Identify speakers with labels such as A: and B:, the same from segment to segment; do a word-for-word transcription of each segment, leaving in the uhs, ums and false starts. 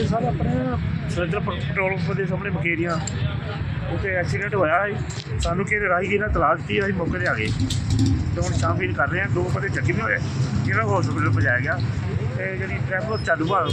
A: ਇਹ ਸਰ ਆਪਣੇ ਸਦਰ ਪੈਟਰੋਲ ਪੰਪ ਦੇ ਸਾਹਮਣੇ ਮਕੇਰੀਆਂ ਉੱਥੇ ਐਕਸੀਡੈਂਟ ਹੋਇਆ ਹੈ। ਸਾਨੂੰ ਕਿਸੇ ਰਾਹਗੀਰ ਨੇ ਤਲਾਸ਼ ਦਿੱਤੀ, ਅਸੀਂ ਮੌਕੇ 'ਤੇ ਆ ਗਏ ਅਤੇ ਹੁਣ ਛਾਣਬੀਨ ਕਰ ਰਹੇ ਹਾਂ। ਦੋ ਬੰਦੇ ਜ਼ਖਮੀ ਹੋਏ ਜਿਹਨਾਂ ਨੂੰ ਹਸਪੀਟਲ ਪਹੁੰਚਾਇਆ ਗਿਆ ਅਤੇ ਜਿਹੜੀ ਟ੍ਰੈਫਿਕ ਚਾਲੂ ਆ।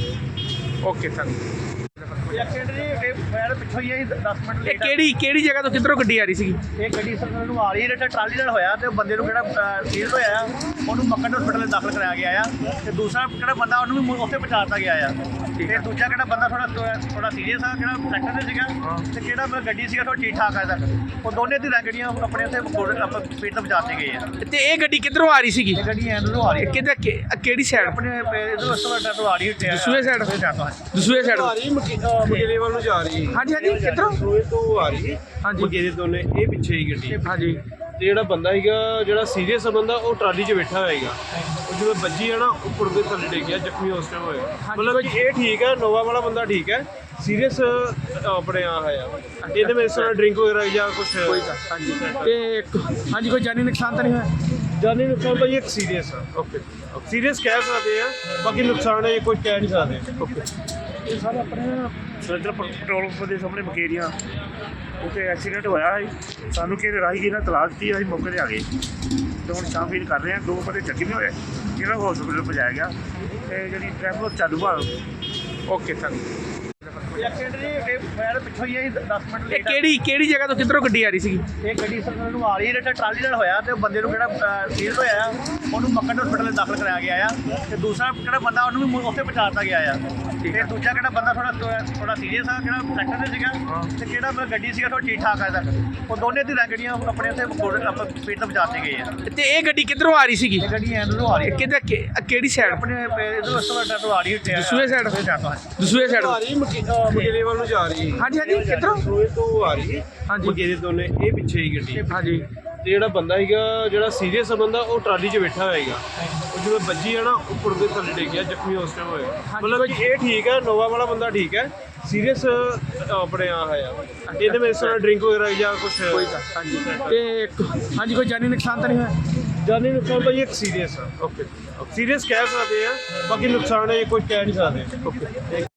A: Okay sir.
B: ਐਕਸੀਡੈਂਟ ਜੀ ਫਾਇਰ ਪਿੱਛੋਂ ਹੀ ਹੈ ਦਸ ਮਿੰਟ
C: ਇਹ
B: ਲੇਟ।
C: ਕਿਹੜੀ ਕਿਹੜੀ ਜਗ੍ਹਾ ਤੋਂ ਕਿੱਧਰੋਂ ਗੱਡੀ ਆ ਰਹੀ ਸੀਗੀ?
B: ਇਹ ਗੱਡੀ ਸਰ ਨੂੰ ਆ ਰਹੀ ਹੈ, ਟਰਾਲੀ ਨਾਲ ਹੋਇਆ ਤੇ ਬੰਦੇ ਨੂੰ ਕਿਹੜਾ ਸੀਰੀਅਸ ਹੋਇਆ ਆ, ਉਹਨੂੰ ਮੱਕੜ ਹਸਪੀਟਲ ਦਾਖਲ ਕਰਾਇਆ ਗਿਆ ਆ। ਤੇ ਦੂਸਰਾ ਕਿਹੜਾ ਬੰਦਾ ਉਹਨੂੰ ਵੀ ਉੱਥੇ ਪਹੁੰਚਾ ਦਿੱਤਾ ਗਿਆ ਆ। ਤੇ ਦੂਜਾ ਕਿਹੜਾ ਬੰਦਾ ਥੋੜਾ ਥੋੜਾ ਸੀਰੀਅਸ ਆ, ਕਿਹੜਾ ਟਰੈਕਟਰ ਤੇ ਸੀਗਾ ਤੇ ਕਿਹੜਾ ਗੱਡੀ ਸੀਗਾ ਥੋੜਾ ਠੀਕ ਠਾਕ ਆ ਤੱਕ। ਉਹ ਦੋਨੇ ਧਿਰਾਂ ਗੱਡੀਆਂ ਆਪਣੇ ਉੱਥੇ ਆਪਾਂ ਸਪੀਡ ਤੇ ਪਹੁੰਚਾਤੇ ਗਏ ਆ।
C: ਤੇ ਇਹ ਗੱਡੀ ਕਿੱਧਰੋਂ ਆ ਰਹੀ ਸੀਗੀ?
B: ਇਹ ਗੱਡੀ ਐਂਡਰੋਂ ਆ ਰਹੀ ਹੈ,
C: ਕਿੱਧਰ ਕਿ- ਕਿਹੜੀ ਸਾਈਡ?
B: ਆਪਣੇ ਇਧਰੋਂ ਉਸ ਤੋਂ ਤੋਂ ਆ ਰਹੀ ਹੈ
C: ਦਸੂਹੇ side? ਦਸੂਹੇ ਸਾਈਡ
D: ਆ ਰਹੀ ਮਕੇਲੇ ਵੱਲ ਨੂੰ ਜਾ ਰਹੀ ਹੈ।
C: ਹਾਂਜੀ ਹਾਂਜੀ ਕਿੱਧਰੋਂ?
D: ਦਸੂਹੇ ਤੋਂ ਆ ਰਹੀ ਹੈ
C: ਹਾਂਜੀ।
D: ਮਕੇਲੇ ਦੋਨੇ ਇਹ ਪਿੱਛੇ ਹੀ ਗੱਡੀ।
C: ਹਾਂਜੀ
D: ਤੇ ਜਿਹੜਾ ਬੰਦਾ ਹੈਗਾ ਜਿਹੜਾ ਸੀਰੀਅਸ ਬੰਦਾ ਉਹ ਟਰਾਲੀ 'ਚ ਬੈਠਾ ਹੋਏਗਾ। ਉਹ ਜਦੋਂ ਵੱਜੀ ਹੈ ਨਾ ਉੱਪਰ ਦੇ ਥੱਲੇ ਡਿੱਗ ਗਿਆ, ਜ਼ਖਮੀ ਉਸ ਟਾਈਮ ਹੋਇਆ। ਮਤਲਬ ਕਿ ਇਹ ਠੀਕ ਹੈ, ਨੋਵਾ ਵਾਲਾ ਬੰਦਾ ਠੀਕ ਹੈ। ਸੀਰੀਅਸ ਆਪਣੇ ਆ ਹੈ ਇਹਦੇ ਵਿੱਚ ਸਰ ਡਰਿੰਕ ਵਗੈਰਾ ਜਾਂ ਕੁਝ
C: ਹਾਂਜੀ ਤੇ ਹਾਂਜੀ ਕੋਈ ਜਾਨੀ ਨੁਕਸਾਨ ਤਾਂ ਨਹੀਂ ਹੋਇਆ?
D: ਜਾਨੀ ਨੁਕਸਾਨ ਭਾਈ ਇੱਕ ਸੀਰੀਅਸ ਆ। ਓਕੇ ਸੀਰੀਅਸ ਕਹਿ ਸਕਦੇ ਆ, ਬਾਕੀ ਨੁਕਸਾਨ ਇਹ ਕੋਈ ਕਹਿ ਨਹੀਂ ਸਕਦੇ। ਓਕੇ
A: ਇਹ ਸਰ ਆਪਣੇ ਸਦਰ ਪੈਟਰੋਲ ਪੰਪ ਦੇ ਸਾਹਮਣੇ ਮਕੇਰੀਆਂ ਉੱਥੇ ਐਕਸੀਡੈਂਟ ਹੋਇਆ ਹੈ। ਸਾਨੂੰ ਕਿਸੇ ਰਾਹਗੀਰ ਨੇ ਤਲਾਸ਼ ਦਿੱਤੀ, ਅਸੀਂ ਮੌਕੇ 'ਤੇ ਆ ਗਏ ਅਤੇ ਹੁਣ ਛਾਣਬੀਨ ਕਰ ਰਹੇ ਹਾਂ। ਦੋ ਬੰਦੇ ਜ਼ਖਮੀ ਹੋਏ ਜਿਹਨਾਂ ਨੂੰ ਹਸਪੀਟਲ ਪਹੁੰਚਾਇਆ ਗਿਆ ਅਤੇ ਜਿਹੜੀ ਟ੍ਰੈਫਿਕ ਚਾਲੂ ਆ। Okay sir.
B: ਐਕਸੀਡੈਂਟ ਜੀ ਫਾਇਰ ਪਿੱਛੋਂ ਹੀ ਹੈ ਦਸ ਮਿੰਟ
C: ਇਹ
B: ਲੇਟ।
C: ਕਿਹੜੀ ਕਿਹੜੀ ਜਗ੍ਹਾ ਤੋਂ ਕਿੱਧਰੋਂ ਗੱਡੀ ਆ ਰਹੀ ਸੀਗੀ?
B: ਇਹ ਗੱਡੀ ਸਰ ਨੂੰ ਆ ਰਹੀ ਹੈ, ਟਰਾਲੀ ਨਾਲ ਹੋਇਆ ਤੇ ਬੰਦੇ ਨੂੰ ਕਿਹੜਾ ਸੀਰੀਅਸ ਹੋਇਆ ਆ, ਉਹਨੂੰ ਮੱਕੜ ਹਸਪੀਟਲ ਦਾਖਲ ਕਰਾਇਆ ਗਿਆ ਆ। ਤੇ ਦੂਸਰਾ ਕਿਹੜਾ ਬੰਦਾ ਉਹਨੂੰ ਵੀ ਉੱਥੇ ਪਹੁੰਚਾ ਦਿੱਤਾ ਗਿਆ ਆ। ਤੇ ਦੂਜਾ ਕਿਹੜਾ ਬੰਦਾ ਥੋੜਾ ਥੋੜਾ ਸੀਰੀਅਸ ਆ, ਕਿਹੜਾ ਟਰੈਕਟਰ ਤੇ ਸੀਗਾ ਤੇ ਕਿਹੜਾ ਗੱਡੀ ਸੀਗਾ ਥੋੜਾ ਠੀਕ ਠਾਕ ਆ ਤੱਕ। ਉਹ ਦੋਨੇ ਧਿਰਾਂ ਗੱਡੀਆਂ ਆਪਣੇ ਉੱਥੇ ਆਪਾਂ ਸਪੀਡ ਤੇ ਪਹੁੰਚਾਤੇ ਗਏ ਆ।
C: ਤੇ ਇਹ ਗੱਡੀ ਕਿੱਧਰੋਂ ਆ ਰਹੀ ਸੀਗੀ?
B: ਇਹ ਗੱਡੀ ਐਂਡਰੋਂ ਆ ਰਹੀ ਹੈ,
C: ਕਿੱਧਰ ਕਿ- ਕਿਹੜੀ ਸਾਈਡ?
B: ਆਪਣੇ ਇਧਰੋਂ ਉਸ ਤੋਂ ਆ ਰਹੀ ਹੈ
C: ਦਸੂਹੇ side? ਦਸੂਹੇ ਸਾਈਡ?
D: ਆ ਰਹੀ ਮਕੇਲੇ ਵੱਲ ਨੂੰ ਜਾ ਰਹੀ ਹੈ।
C: ਹਾਂਜੀ ਹਾਂਜੀ ਕਿੱਧਰੋਂ?
D: ਦਸੂਹੇ ਤੋਂ ਆ ਰਹੀ ਹੈ
C: ਹਾਂਜੀ
D: ਮਕੇਲੇ ਦੋਨੇ ਇਹ ਪਿੱਛੇ ਹੀ ਗੱਡੀ।
C: ਹਾਂਜੀ
D: ਤੇ ਜਿਹੜਾ ਬੰਦਾ ਹੈਗਾ ਜਿਹੜਾ ਸੀਰੀਅਸ ਬੰਦਾ ਉਹ ਟਰਾਲੀ 'ਚ ਬੈਠਾ ਹੋਏਗਾ। ਉਹ ਜਦੋਂ ਵੱਜੀ ਹੈ ਨਾ ਉੱਪਰ ਦੇ ਥੱਲੇ ਡਿੱਗ ਗਿਆ, ਜ਼ਖਮੀ ਉਸ ਟਾਈਮ ਹੋਇਆ। ਮਤਲਬ ਕਿ ਇਹ ਠੀਕ ਹੈ, ਨੋਵਾ ਵਾਲਾ ਬੰਦਾ ਠੀਕ ਹੈ। ਸੀਰੀਅਸ ਆਪਣੇ ਆ ਹੈ ਇਹਦੇ ਵਿੱਚ ਸਰ ਡਰਿੰਕ ਵਗੈਰਾ ਜਾਂ ਕੁਝ
C: ਹਾਂਜੀ ਤੇ ਹਾਂਜੀ ਕੋਈ ਜਾਨੀ ਨੁਕਸਾਨ ਤਾਂ ਨਹੀਂ ਹੋਇਆ?
D: ਜਾਨੀ ਨੁਕਸਾਨ ਭਾਈ ਇੱਕ ਸੀਰੀਅਸ ਆ। ਓਕੇ ਸੀਰੀਅਸ ਕਹਿ ਸਕਦੇ ਆ, ਬਾਕੀ ਨੁਕਸਾਨ ਇਹ ਕੋਈ ਕਹਿ ਨਹੀਂ ਸਕਦੇ। ਓਕੇ